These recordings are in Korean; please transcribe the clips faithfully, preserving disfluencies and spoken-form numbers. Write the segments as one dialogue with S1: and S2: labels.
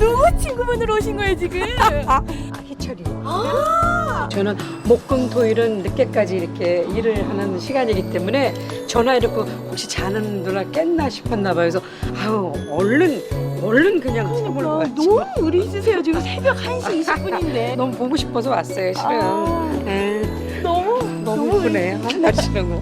S1: 누구 친구분으로 오신 거예요 지금?
S2: 아, 희철이요.
S1: 아
S2: 저는 목금토일은 늦게까지 이렇게 일을 하는 시간이기 때문에 전화해놓고 혹시 자는 누나 깼나 싶었나 봐요. 그래서 아유 얼른 얼른 그냥 선물
S1: 와,
S2: 왔지.
S1: 너무 의리 있으세요. 지금 새벽 한 시 이십 분인데.
S2: 너무 보고 싶어서 왔어요 실은.
S1: 아,
S2: 에,
S1: 너무
S2: 너무 예쁘네. 아, 날씨는 거.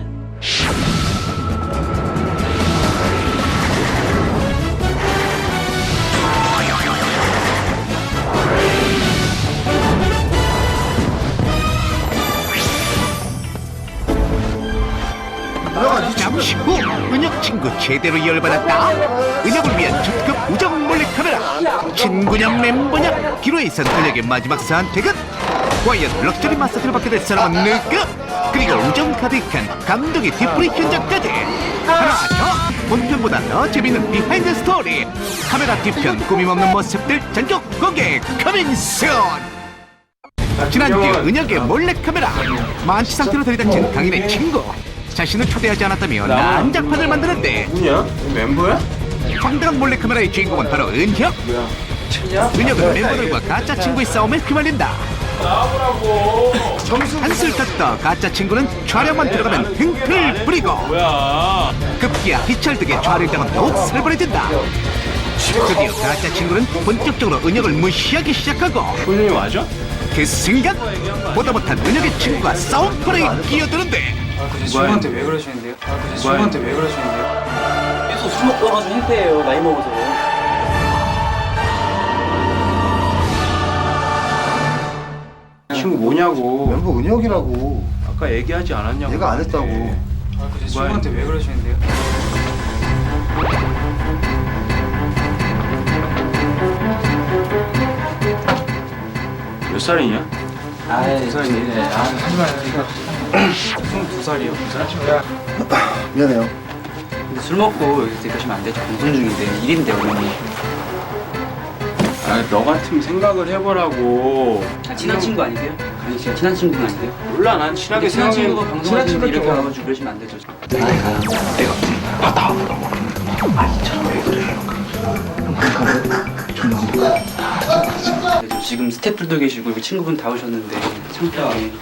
S3: 잠시 후 은혁 친구 제대로 열받았다. 은혁을 위한 특급 우정 몰래카메라. 친구냐 멤버냐 기로에선 은혁의 마지막 선택은 과연 럭셔리 마사지를 받게 될 사람은 누구? 그리고 우정 가득한 감동의 뒤풀이 현장까지 하나 더 본편보다 더 재밌는 비하인드 스토리 카메라 뒤편 꾸밈없는 모습들 전격 공개 커밍순. 지난주 은혁의 몰래카메라 만취 상태로 들이닥친 강인의 친구 자신을 초대하지 않았다며 난장판을 만드는데
S4: 누구냐? 멤버야?
S3: 황당한 몰래카메라의 주인공은 바로 은혁. 은혁은 멤버들과 가짜 친구의 싸움에 휘말린다.
S4: 나오라고.
S3: 한술 떴다 가짜 친구는 촬영만 들어가면 흥을 부리고
S4: 뭐야?
S3: 급기야 희철 덕에 촬영장은 더욱 살벌해진다. 드디어 가짜 친구는 본격적으로 은혁을 무시하기 시작하고
S4: 본인이 맞아?
S3: 그 순간 보다 못한 은혁의 친구가 싸움터에 끼어드는데
S5: 제 친구한테 왜 그러시는데요? 제 친구한테 왜 그러시는데요? 계속 술 먹고 와가지고 행패예요. 나이 먹어서.
S4: 친구 뭐냐고.
S6: 멤버 은혁이라고.
S4: 아까 얘기하지 않았냐고.
S6: 얘가 안 했다고.
S5: 제 친구한테 왜 그러시는데요?
S4: 몇 살이냐?
S5: 아이, 두 살이네. 아, 하지 마요. 스물두 살이요.
S6: 미안해요.
S5: 근데 술 먹고 여기서 그러시면 안 되죠. 방송 중인데. 일인데, 어머니.
S4: 아, 너 같으면 생각을 해보라고.
S5: 아, 친한 친구 아니세요? 강희 씨가 친한 친구는 아니세요?
S4: 몰라, 난 친하게
S5: 친한
S4: 생각해.
S5: 친구가 방송할 때 이렇게 와가지고 그러시면 안 되죠. 아이, 가요. 내가. 아, 나. 아니, 저는 왜 그래요? 그래서 지금 스태프들도 계시고 여기 친구분 다 오셨는데 창피하게.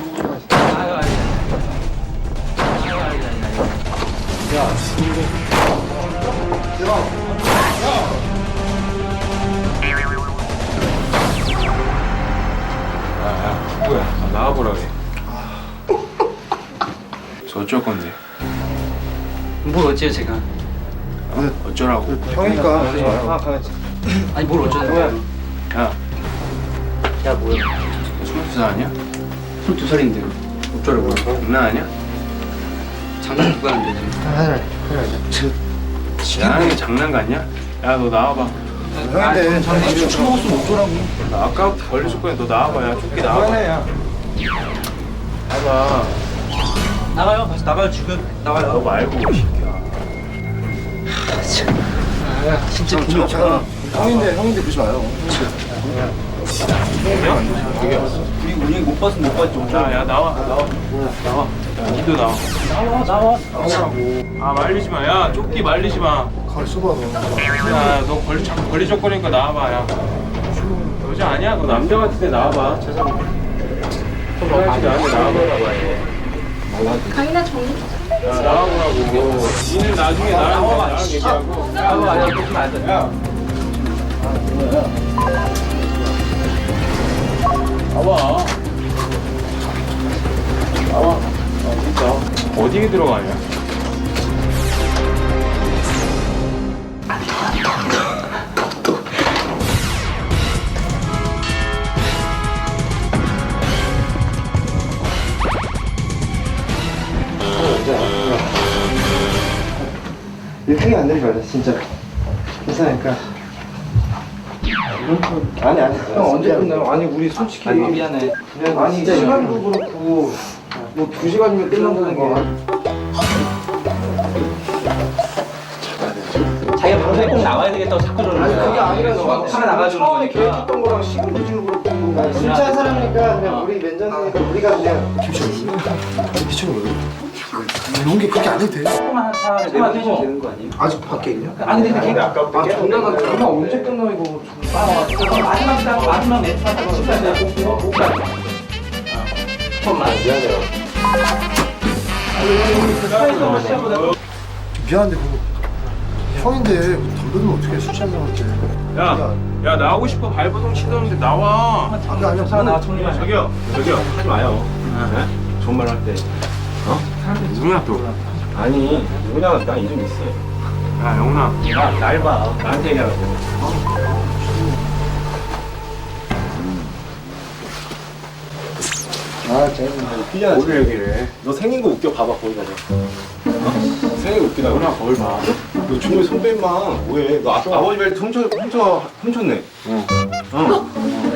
S4: 아, 누구야? 아, 나와보라 그래. 저 어쩔 건데?
S5: 뭘 어째요 제가?
S4: 어쩌라고?
S6: 형이니까.
S5: 아니 뭘 어쩌는데요?
S4: 야,
S5: 야 뭐야?
S4: 스물두 살 아니야?
S5: 스물두 살인데요.
S4: 어쩌라고? 장난 아니야?
S5: 장난 누가 하는데 지금?
S4: 나는 장난 같냐? 야, 너 나와봐.
S6: 형인데.
S5: 술 먹었으면 어쩌라고?
S4: 나 아까부터 걸렸을 거야. 너 나와봐. 야, 쫓기 나와봐. 나와봐.
S5: 나가요. 다시 나가요 지금.
S4: 너
S5: 나가요.
S4: 말고, 이 새끼야.
S5: 진짜 돈이 없잖아.
S6: 형인데 형인데 그러지 마요.
S5: 우리 운영이 못 봤으면 못 봤지.
S4: 야, 야, 나와. 나와. 나와. 야, 니도 나와.
S5: 나와 나와.
S4: 나오라고. 아, 말리지 마. 야, 쫓기 말리지 마.
S6: 가을 써봐 너.
S4: 야, 너 걸리, 자꾸 걸리적거리니까 나와봐, 야. 여자 아니야? 너 남자 같은데 나와봐. 죄송합니다. 나한테 나와보라고.
S1: 강인아 정리.
S4: 야, 나와보라고. 니는 나중에 나랑 나랑 얘기하고.
S5: 나와 아니야 그러면 안 돼.
S4: 야. 나와. 나와. 아, 진짜. 어디에 들어가냐?
S6: 이렇게 안 되지 말자 진짜. 괜찮으니까. 아니 아니. 형 언제 끝나요? 아니 우리 솔직히.
S5: 아니 미안해.
S6: 아니 진짜 시간도 그렇고 뭐 두 시간이면 끝난다는 거.
S5: 자기가 방송에 꼭 나와야 되겠다고 자꾸 저러는
S6: 아니
S5: 거야.
S6: 그게 아니라 너
S5: 하나 나가주는
S6: 처음에
S5: 거니까.
S6: 계획했던 거랑 시간도 지금 그렇고 진짜 사람이니까 그냥 우리 맨전이니까 우리가 그냥. 기철이 기철이 왜 그래? 연기 그렇게 안 해도 돼.
S5: 조금만 차 내보내시면 되는 거 아니에요?
S6: 아직 밖에 있냐?
S5: 아니 근데 걔가 아까부터
S6: 아 장난감 장난 언제 끝나 이거.
S5: 마지막 딱 마지막 매트 하다가 진짜 못 가. 조금만 미안해요.
S6: 미안한데 뭐 형인데 덤벼들면 어떻게 술 취한 사람한테.
S4: 야, 야 나오고 싶어 발버둥 치던데 나와.
S6: 아니 아니야.
S5: 차 나와 정리만.
S4: 저기요, 저기요 하지 마요. 네? 좋은 말 할 때. 어? 누구야 또? 아니 누구냐 나 이름 있어. 야 영훈아, 날 봐. 나한테 얘기하라고.
S6: 아 재밌네.
S4: 피자 오늘 얘기를 해. 너 생긴 거 웃겨 봐봐 거기 가서. 어? 생긴 거 웃기다. 누나 거울 봐. 너 중국의 선배 임마 뭐해? 너 아, 아버지 말 훔쳐 훔쳐 훔쳤네. 어. 어.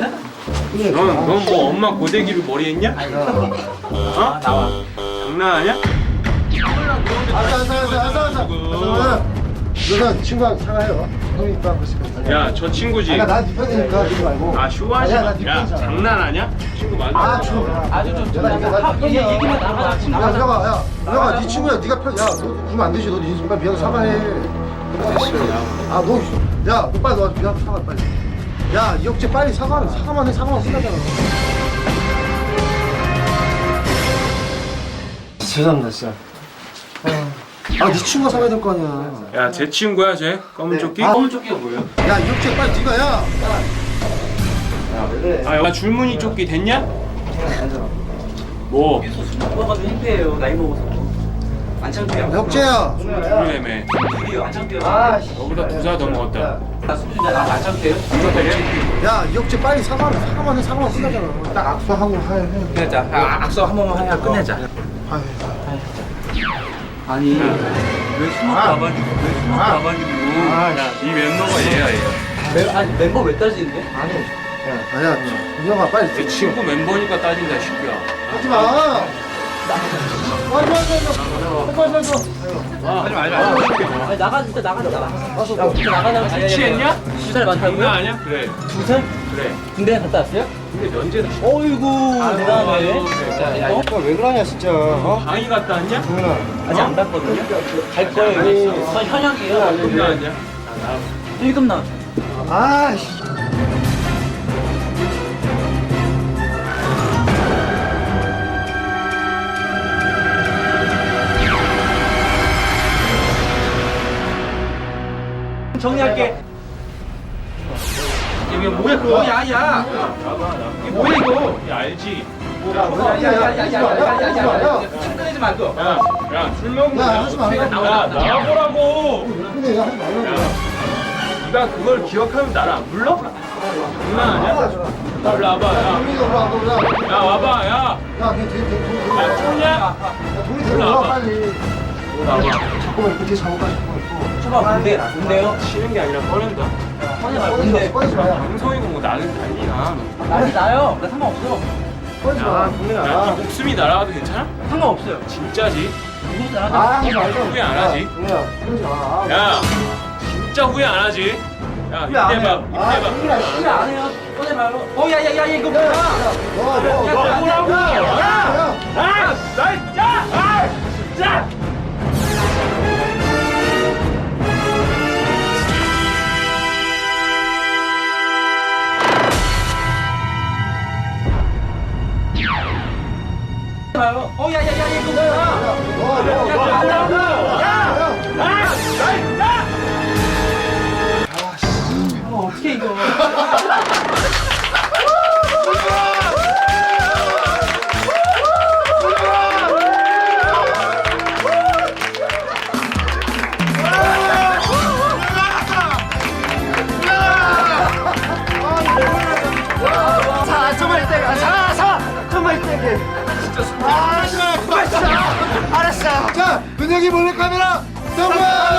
S4: 넌넌뭐 엄마 고데기로 머리 했냐? 어? 나와. 장난하냐?
S6: 알았어 알았어 알았어 알았어. 너는 친구랑 사과해요. 형이 있다 그랬으니까.
S4: 야 저 친구지.
S6: 아까 나네 편이니까 그러지 말고.
S4: 아 쇼하지
S6: 아니야,
S4: 마.
S6: 나네
S4: 야
S6: 편이잖아.
S4: 장난하냐? 친구 맞아.
S6: 아 좀.
S5: 아주 좀
S6: 야, 이거 나
S5: 얘 얘기만 나가.
S6: 야, 누나가, 야, 누나가 네 친구야, 네가 편, 야, 너 그러면 안 되지, 너 인수가 미안 사과해. 아, 너, 야, 너 빨리 너 미안 사과 빨리. 야, 이혁재 빨리 사과는 사과만 해, 사과만 끝나잖아. 죄송합니다, 진짜. 아, 네 친구가 사과해야 될 거 아니야.
S4: 야 제 친구야 쟤 검은 조끼.
S6: 아,
S5: 검은 조끼가 뭐예요?
S6: 야, 이혁재 빨리 네가 야.
S4: 아 야 줄무늬 조끼 됐냐? 뭐?
S5: 먹어가지고 힘들어요. 나이 먹어서. 안 창피해요.
S6: 이혁재야.
S4: 그러네.
S5: 안 창피해요.
S6: 아, 씨.
S4: 너보다 두 살 더 먹었다.
S5: 나 수준이 나안 창피해요?
S6: 야, 이혁재 빨리 사과는 사과만 해, 사과만 끝나잖아. 딱 악수하고 해, 해.
S5: 끝내자. 아, 악수 한 번만 해야 끝내자.
S6: 아,
S5: 아니 왜 스모크 와가지고 왜 스모크 와가지고
S4: 야네 멤버가 얘야 얘.
S5: 멤, 아니 멤버 왜 따지는데?
S6: 아니. 아니야, 은영아 빨리.
S4: 내 친구 멤버니까 따진다 시끼야.
S6: 하지 마. 빨리 빨리 빨리 빨리 빨리.
S4: 하지 말자.
S5: 아니 나가 진짜 나가 나가. 야 진짜 나가자.
S4: 취했냐?
S5: 두살 많다고요?
S4: 장난 아니야? 그래.
S5: 두 살?
S4: 그래.
S5: 군대 갔다 왔어요?
S4: 근데 면제다.
S5: 어이구
S4: 아,
S5: 대단하네.
S4: 야, 야,
S5: 어?
S6: 왜 그러냐 진짜. 어?
S4: 방이 갔다 왔냐?
S6: 동현아.
S5: 아직 안 갔거든요? 갈 거예요 이제. 저 현역이에요.
S4: 장난 아니야?
S5: 일 급 나.
S6: 아씨.
S5: 정리할게. 이게 뭐야 그거? 야야. 이게 뭐야 이거?
S4: 야 알지?
S5: 야야야야야야야야. 끊이지 말고.
S4: 야, 야, 술 먹는
S6: 야,
S4: 거.
S6: 하지 마.
S4: 야, 나와보라고.
S6: 근데 야 하지 말라고.
S4: 야, 네가 그걸 기억하면 나를 안 불러? 장난 아니야? 일로 와봐, 야.
S6: 동현이 올라 와, 올라.
S4: 야, 와봐, 야.
S6: 야, 걔 걔 걔.
S4: 야, 쫓냐?
S6: 야, 동이 들어와 빨리.
S4: 와봐.
S6: 잠깐만 이렇게 잡아가 싶어.
S5: 초밥 뭔데? 뭔데요?
S4: 치는 게 아니라 꺼낸다.
S5: 꺼내 말 뭔데?
S6: 꺼내지 마야.
S4: 방송이고 뭐 나는 달리나.
S5: 나는 나요. 나 상관없어.
S6: 꺼내지 마.
S4: 야,
S6: 동현아.
S4: 네 목숨이 날아가도 괜찮아?
S5: 상관없어요.
S4: 진짜지?
S5: 누구
S6: 아,
S5: 나가?
S6: 하지 말자.
S4: 후회 안 하지?
S6: 동현아, 그러지 마.
S4: 야, 진짜 후회 안 하지? 야, 이때 봐, 이때
S6: 아,
S4: 봐.
S6: 동현아,
S5: 후회 안 해요. 꺼내 말로. 어 야야야 이거 뭐야?
S6: 너, 너,
S5: 야,
S6: 너.
S5: 야,
S4: 뭐라고?
S6: 야, 야.
S4: 아, 나 진짜! 아, 진짜!
S5: 말로. 어 야야야 이거 뭐야?
S6: 너, 너, 너.
S5: 어, 어떻게 이거?
S6: 자, 정말 때가. 자, 자, 정말 때게. 진짜 술. 아, 정말 진짜. 알았어. 자, 은혁이 몰래 카메라 성공.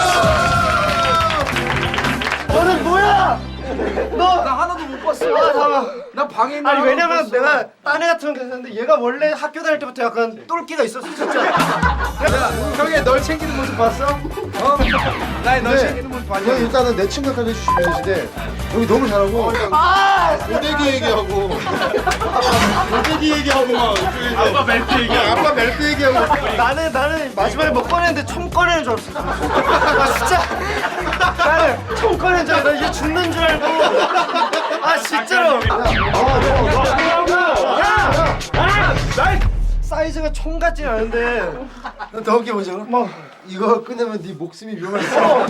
S6: 너는 뭐야? 너 나 하나도 못 봤어. 아, 잠깐. 나 방에 있는. 아니 왜냐면 내가 딴 애 같은 거 했는데 얘가 원래 학교 다닐 때부터 약간 똘끼가 있었어 진짜. 야, 형이 널 챙기는 모습 봤어? 어? 나의 널 챙기는 모습. 형 일단은 내 친구까지 해주시면 되시는데 여기 너무 잘하고 아! 고데기 얘기하고 고데기 얘기하고 막 아빠 멜트 얘기하고 아빠 멜트 얘기하고
S7: 나는 나는 마지막에 뭐 꺼내는데 총 꺼내는 줄 알았어. 아 진짜. 나는 총 꺼내는 줄 알고 나 이제 죽는 줄 알고. 아 진짜로. 사이즈가 총 같진 않은데.
S6: 더 웃겨 보자. 뭐 이거 끝내면 네 목숨이 위험하겠어.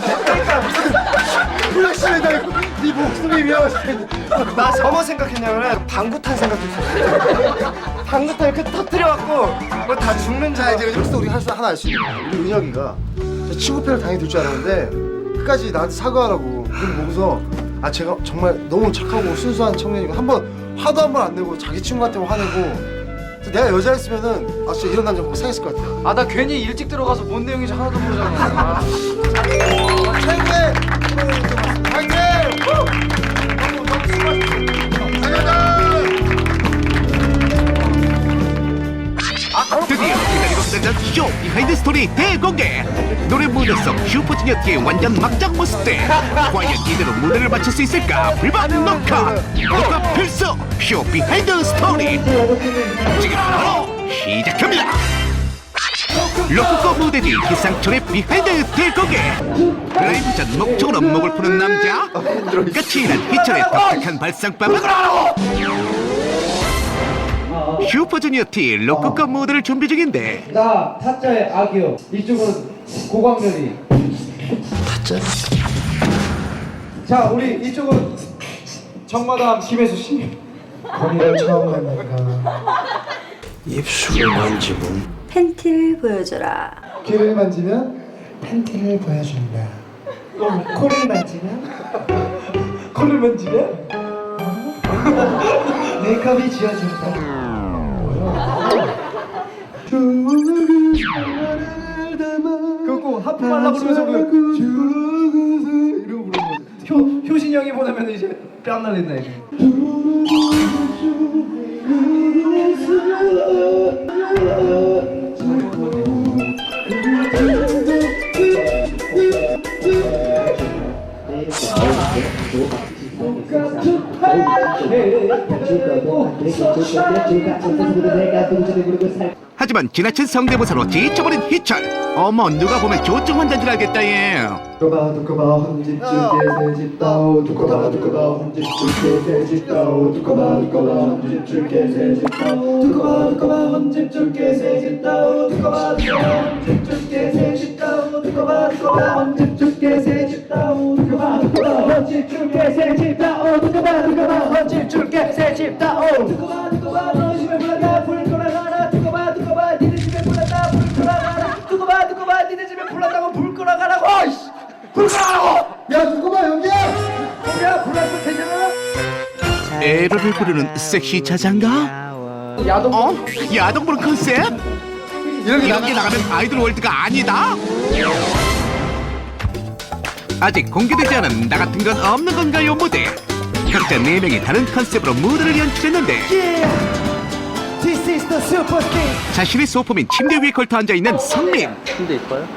S6: 플래시맨 달고 네 목숨이 위험하겠어.
S7: 나 저뭐 생각했냐면은 방구탄 생각했어. 방구탄 이렇게 터뜨려갖고 뭐 다 죽는 줄
S6: 자
S7: 알고.
S6: 이제 여기서 우리 할수 하나 알 수 있는 거야. 우리 은혁이가 저 친구패를 당연히 들 줄 알았는데 끝까지 나한테 사과하라고 그걸 보고서 아 제가 정말 너무 착하고 순수한 청년이고 한번 화도 한 번 안 내고 자기 친구한테 화내고 내가 여자였으면은 아 진짜 이런 남자 보고 사귀었을 것 같아.
S7: 아 나 괜히 일찍 들어가서 뭔 내용인지 하나도 모르잖아.
S6: 최고의 화이팅! 너무 너무 수고하셨습니다.
S3: 드디어 기다리고 기다리던 쇼 비하인드 스토리 대공개. 노래 무대 속 슈퍼주니어티의 완전 막장 모습들. 과연 이대로 무대를 마칠 수 있을까? 불반 녹화 녹화 필수 쇼 비하인드 스토리 지금 바로 시작합니다. 로코코 무대 뒤 기상천의 비하인드 대공개. 라이브 전 목적으로 목을 푸는 남자, 까칠한 희철의 독특한 발상법은 슈퍼주니어티 로코코 무대를 준비 중인데
S8: 나 타짜의 악이요. 이쪽은 고광렬이. 타짜? 자, 우리 이쪽은 정마담 김혜수 씨. 거기를 처음 만나니까
S5: 입술을 만지면
S9: 팬티를 보여줘라.
S8: 귀를 만지면 팬티를 보여준다. 어, 코를 만지면 코를 만지면 어? 메이크업이 지워진다. 그거 하품 하려고 그러면서 그 이러고 부르는 거지. 효, 효신이 형이 보내면 이제 뺨 날린다 이거.
S3: 하지만 지나친 성대모사로 지쳐버린 희철. 어머 누가 보면 조증 환자인 줄 알겠다 얘.
S8: 두꺼봐 두꺼봐 혼집 줄게 새집 따오 두꺼봐 두꺼봐 혼집 줄게 새집 따오 두꺼봐 두꺼봐 혼집 줄게 새집 따오 두꺼봐 두꺼봐 혼집 줄게 새집 따오 두꺼봐 두꺼봐 혼집 줄게 새집 따오 두꺼봐 두꺼봐 혼집 줄게 새집 따오 두꺼봐 두꺼봐 혼집 줄게 새집 따오 두꺼봐 두꺼봐 혼집 줄게 새집 따오 두꺼봐 두꺼봐 너 집에 불러가 불 돌아가라 두꺼봐 두꺼봐 니네 집에 불렀다 불 돌아가라 두꺼봐 두꺼봐 니네 집에 불렀다고 불 끌어가라고 이씨 불 끌어가라고 야 두꺼봐 여기야 여기야 불렀을 테잖아
S3: 에러를 부르는 섹시 자장가?
S8: 야동
S3: 어? 야동 부른 컨셉? 이렇게 나가면 아이돌 월드가 아니다? 아직 공개되지 않은 나 같은 건 없는 건가요 무대. 각자 네 명이 다른 컨셉으로 무대를 연출했는데
S8: This is the super thing
S3: 자신의 소품인 침대 위에 걸터 앉아있는 성민.
S7: 침대 이뻐요?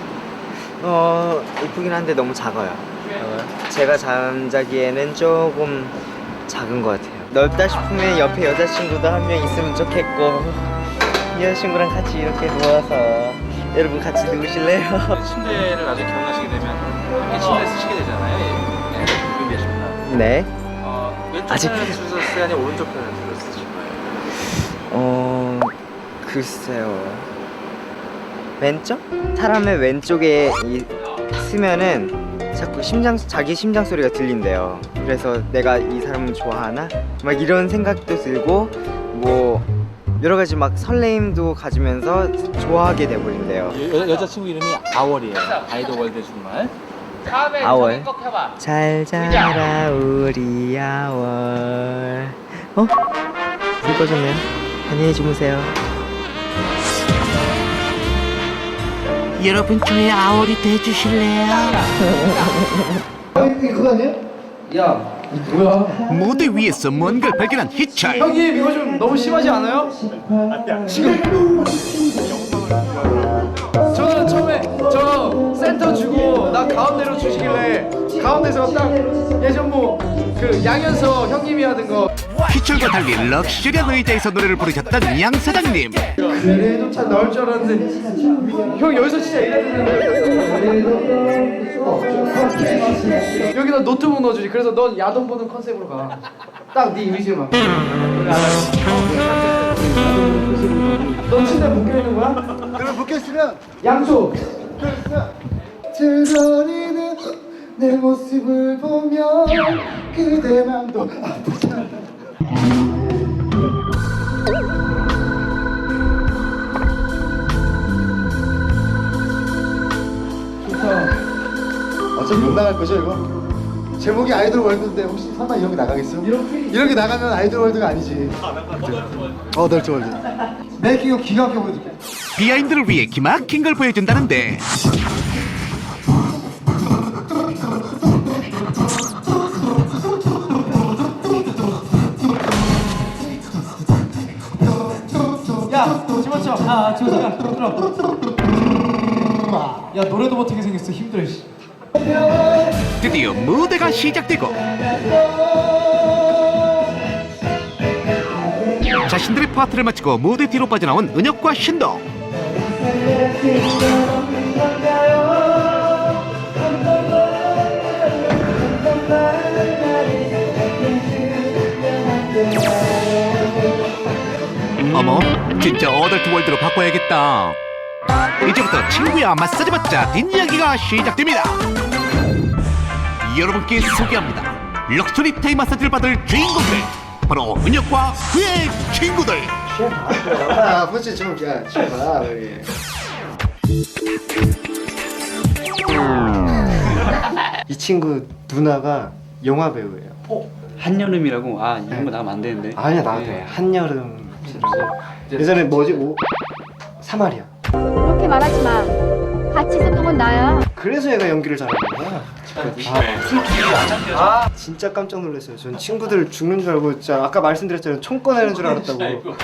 S7: 어 이쁘긴 한데 너무 작아요. 제가 잠자기에는 조금 작은 것 같아요. 넓다 싶으면 옆에 여자친구도 한 명 있으면 좋겠고 여자친구랑 같이 이렇게 누워서 여러분 같이 누우실래요?
S5: 침대를 나중에 결혼하시게 되면 함께 침대 쓰시게 되잖아요. 네, 준비하십니다.
S7: 네.
S5: 어, 왼쪽
S7: 아직-
S5: 편을 쓰셨어요? 아니면 오른쪽 편을 쓰실 거예요?
S7: 어 글쎄요. 왼쪽? 사람의 왼쪽에 이, 쓰면은 자꾸 심장 자기 심장 소리가 들린대요. 그래서 내가 이 사람을 좋아하나? 막 이런 생각도 들고 뭐 여러 가지 막 설레임도 가지면서 좋아하게 돼버린대요.
S5: 여, 여자친구 이름이 아월이에요. 아이돌 월드 정말.
S7: 아월. 잘 자라 우리 아월. 어? 불 꺼졌네요. 안녕히 주무세요.
S3: 여러분 저의 아월이 돼주실래요?
S8: 아 이거 그거 아니야? 야 이거 뭐야
S3: 무대 위에서 뭔가를 발견한 희철.
S8: 형님 이거 좀 너무 심하지 않아요? 지금 저는 처음에 저
S5: 센터 주고 나 가운데로 주시길래 가운데서 딱 예전 뭐 그 양현석 형님이 하던 거
S3: 희철과 달리 럭셔리한 의자에서 노래를 부르셨던 양 사장님.
S5: 그래도 참 나올 줄 알았는데 형 여기서 진짜 이랬는데 여기다 노트북 넣어주지. 그래서 넌 야동 보는 컨셉으로 가. 딱 네 이미지만. 너 침대 묶여 있는 거야?
S6: 그럼 묶였으면
S5: 양쪽.
S6: 들거리는 내 모습을 보면 그대 맘도 아프지 않아. 어차피 못 나갈 거죠 이거? 제목이 아이돌 월드인데 혹시 설마 이런 게 나가겠어? 이런 게 나가면 아이돌 월드가 아니지. 어, 널트 월드. 메이킹업 기가 막히게 보여줄게.
S3: 비하인드를 위해 기막힌 걸 보여준다는데.
S5: 야, 집어쳐. 아, 집어쳐. 들어. 야, 노래도 못하게 생겼어. 힘들어. 씨.
S3: 드디어 무대가 시작되고 자신들의 파트를 마치고 무대 뒤로 빠져나온 은혁과 신동. 어머, 진짜 어덜트 월드로 바꿔야겠다. 이제부터 친구야 마사지 받자 뒷이야기가 시작됩니다. 여러분께 소개합니다. 럭셔리 타임 마사지를 받을 주인공들, 바로 은혁과 그의 친구들.
S6: 아, 아버지 좀 야, 좀 봐. 우리. 이 친구 누나가 영화 배우예요.
S5: 어? 한여름이라고? 아, 이런 거 나가면 안 되는데.
S6: 아니야, 나도 돼. 한여름이라고. 예전에 뭐지? 뭐 사마리아.
S10: 그렇게 말하지 마. 같이 있었던 건 나야.
S6: 그래서 얘가 연기를 잘하는 거야. 아, 아, 진짜 깜짝 놀랐어요. 전 친구들 죽는 줄 알고 진짜 아까 말씀드렸잖아요. 총 꺼내는 줄 알았다고.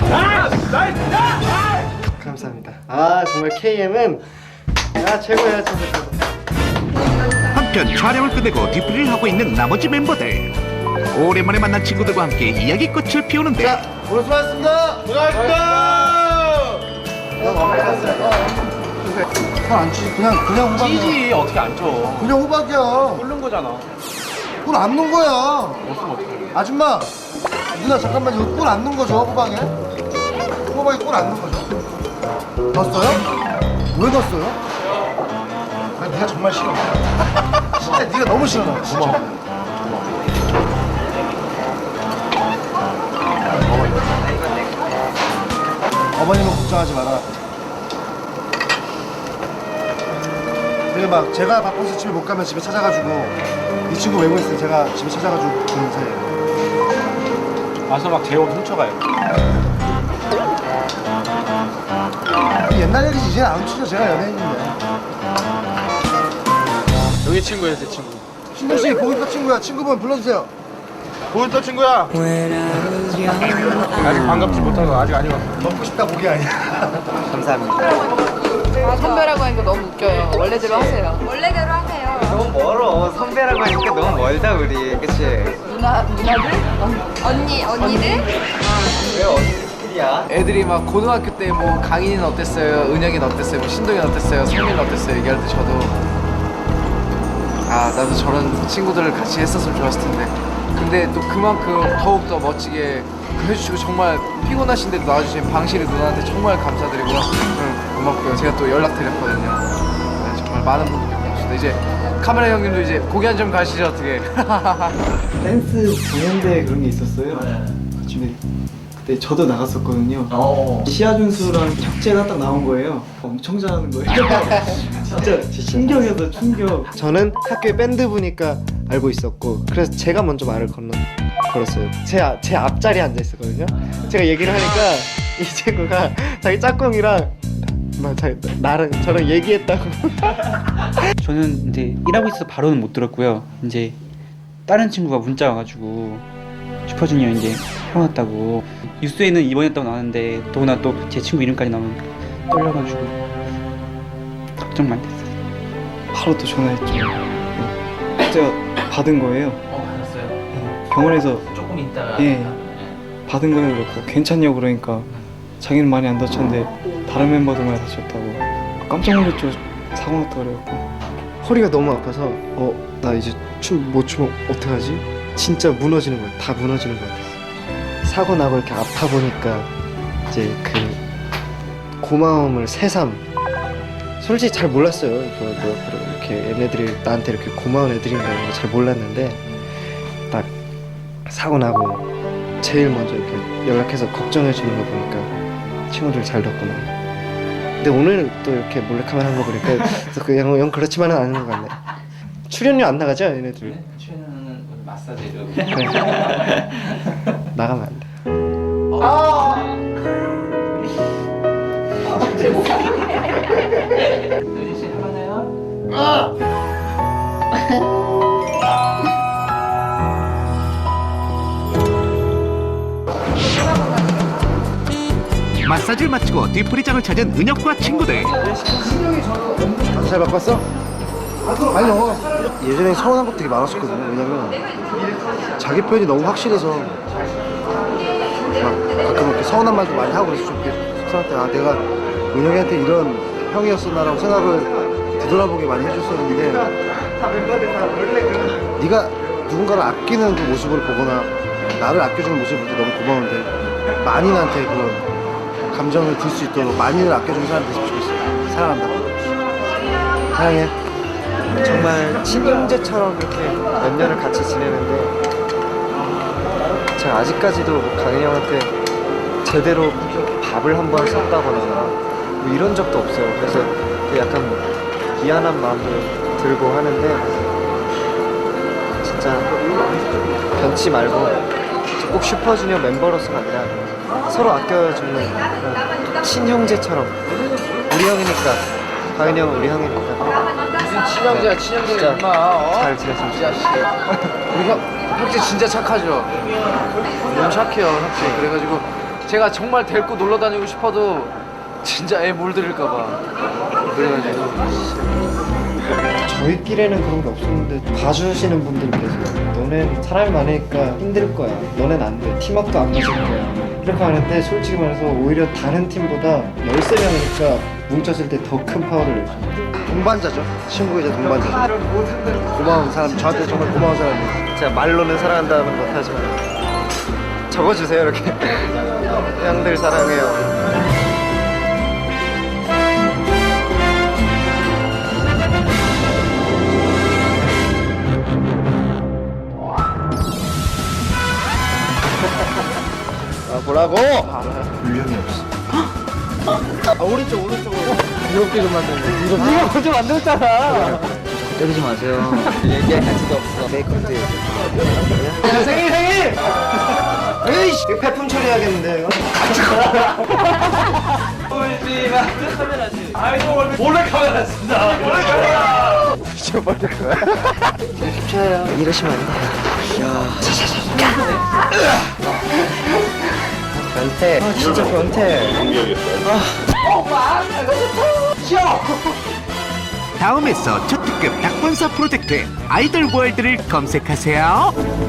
S6: 감사합니다. 아, 정말 케이엠은 야 최고야, 최고 최고.
S3: 한편 촬영을 끝내고 뒤풀이를 하고 있는 나머지 멤버들. 오랜만에 만난 친구들과 함께 이야기꽃을 피우는데.
S6: 자, 오늘 수고하셨습니다. 수고하셨습니다. 살안 찌, 그냥 그냥 호박이야.
S4: 찌지 어떻게 안 쪄?
S6: 그냥 호박이야.
S4: 끓는 거잖아.
S6: 꿀 안 넣은 거야.
S4: 없으면 어떡해?
S6: 아줌마, 누나 잠깐만 이거 꿀 안 넣은 거죠 호박에? 호박에 꿀 안 넣은 거죠? 넣었어요? 왜 넣었어요? 아, 네가 정말 싫어. 진짜 네가 너무 싫어. 고마워. 어머님은 걱정하지 마라. 그리고 막 제가 바빠서 집에 못 가면 집에 찾아가지고 이 친구 외국에 있을 때 제가 집에 찾아가지고 주는 사이에요.
S4: 와서 막 제 옷 훔쳐가요.
S6: 옛날 얘기지 이제 안 치죠. 제가 연예인인데.
S4: 여기 친구예요, 제 친구.
S6: 신동 씨 고깃밥 친구야. 친구분 불러주세요.
S4: 고깃밥 친구야. 아직 반갑지 못해서 아직 아니고.
S6: 먹고 싶다 고기 아니야.
S7: 감사합니다.
S1: 아, 선배라고 하니까 너무 웃겨요. 원래대로 하세요.
S10: 원래대로 하세요.
S7: 너무 멀어. 선배라고 하니까 너무 멀다 우리. 그치?
S1: 누나, 누나들?
S10: 언니, 언니들?
S7: 왜 언니들이야?
S5: 애들이 막 고등학교 때 뭐 강인이는 어땠어요? 은혁이는 어땠어요? 뭐 신동이는 어땠어요? 성민이는 어땠어요? 얘기할 때 저도 아 나도 저런 친구들을 같이 했었으면 좋았을 텐데 근데 또 그만큼 더욱더 멋지게 해주시고 정말 피곤하신데도 나와주신 방실이 누나한테 정말 감사드리고요. 응, 고맙고요. 제가 또 연락드렸거든요. 네, 정말 많은 분들이 고맙습니다. 이제 카메라 형님도 이제 공연 좀 가시죠 어떻게?
S8: 댄스 공연대 그런 게 있었어요. 근데 그때 저도 나갔었거든요. 시아준수랑 혁재가 딱 나온 거예요. 엄청 잘하는 거예요. 진짜 충격이었어, 충격.
S6: 저는 학교에 밴드 부니까 알고 있었고 그래서 제가 먼저 말을 건너 걸었어요. 제, 아- 제 앞자리에 앉아 있었거든요. 제가 얘기를 하니까 이 친구가 자기 짝꿍이랑 막 자기 나랑 저랑 얘기했다고.
S11: 저는 이제 일하고 있어서 바로는 못 들었고요. 이제 다른 친구가 문자 와가지고 슈퍼주니어 이제 형 왔다고 뉴스에는 입원했다고 나왔는데 더구나 또 제 친구 이름까지 나오면 떨려가지고 걱정 많이 됐어요.
S12: 바로 또 전화했죠. 네. 제가 받은 거예요.
S11: 어, 받았어요?
S12: 네. 병원에서
S11: 조금 있다가.
S12: 예 받은 거예요. 그래서 괜찮냐고 그러니까 자기는 많이 안 다쳤는데 다른 멤버들만 다쳤다고. 깜짝 놀랐죠. 사고 났다 그래갖고.
S6: 허리가 너무 아파서 어 나 이제 춤 못 추면 어떡하지? 진짜 무너지는 거야. 다 무너지는 거 같았어. 사고 나고 이렇게 아파 보니까 이제 그 고마움을 새삼. 솔직히 잘 몰랐어요. 뭐, 뭐 이렇게 얘네들이 나한테 이렇게 고마운 애들인가 이런 거 잘 몰랐는데 딱 사고 나고 제일 먼저 이렇게 연락해서 걱정해 주는 거 보니까 친구들 잘 됐구나. 근데 오늘 또 이렇게 몰래카메라 한 거 보니까 그냥 영 그렇지만은 않은 것 같네. 출연료 안 나가죠 얘네들?
S11: 네? 출연은 마사지로.
S6: 그래. 나가면 안 돼.
S11: 유진 씨 해봤나요?
S3: 마사지를 마치고 뒤풀이장을 찾은 은혁과 친구들.
S6: 잘 바꿨어? 아니요. 예전에 서운한 것들이 많았었거든요. 왜냐면 자기 표현이 너무 확실해서 막 가끔 이렇게 서운한 말도 많이 하고 그래서 좀 이렇게 속상할 때 아 내가 은혁이한테 이런 형이었었나라고 생각을 되돌아보게 많이 해줬었는데 네가 누군가를 아끼는 그 모습을 보거나 나를 아껴주는 모습을 볼 때 너무 고마운데 만인한테 그런 감정을 들 수 있도록 만인을 아껴주는 사람이 됐으면 좋겠어. 사랑한다. 사랑해.
S7: 정말 친형제처럼 이렇게 몇 년을 같이 지내는데 제가 아직까지도 강현이 형한테 제대로 밥을 한번 샀다거나 뭐 이런 적도 없어요. 그래서 약간 미안한 마음도 들고 하는데 진짜 변치 말고 꼭 슈퍼주니어 멤버로서가 아니라 서로 아껴주는 그런 친형제처럼 우리 형이니까 강현이 형은 우리 형이니까
S5: 무슨 친형제야 친형제야 임마. 어?
S7: 잘 지냈으면
S5: 이 자식. 우리 형 혁재 진짜 착하죠. 너무 착해요 혁재. 그래가지고 제가 정말 데리고 놀러 다니고 싶어도 진짜 애 물들일까봐 그래가지고.
S6: 저희끼리는 그런 게 없었는데 봐주시는 분들이 계세요. 너넨 사람이 많으니까 힘들 거야. 너넨 안 돼. 팀워크도 안 맞을 거야. 이렇게 하는데 솔직히 말해서 오히려 다른 팀보다 열세 명이니까 뭉쳤을 때 더 큰 파워를 내죠. 동반자죠. 친구이자 동반자죠. 고마운 사람, 저한테 정말 고마운 사람이에요.
S7: 제가 말로는 사랑한다는 못하지만 적어주세요 이렇게. 형들 사랑해요.
S6: 아 뭐라고? 분량이 없어. 아 오른쪽 오른쪽으로. 이렇게 좀 만드는데. 이거 네가 먼저 만들었잖아.
S7: 때리지 마세요. 얘기할 가치도 없어. 메이크업도
S6: 야 생일 생일. 에이씨 이거 폐품 처리해야겠는데 이거.
S11: 울지마. 카메라지. 아이고 몰래 카메라 쓴다. 몰래 카메라.
S6: 진짜 멀리 거야.
S7: 이러시면 안 돼요. 야. 변태. 아 진짜 변태.
S3: 다음에서 초특급 닭본사 프로젝트 아이돌 월드를 검색하세요.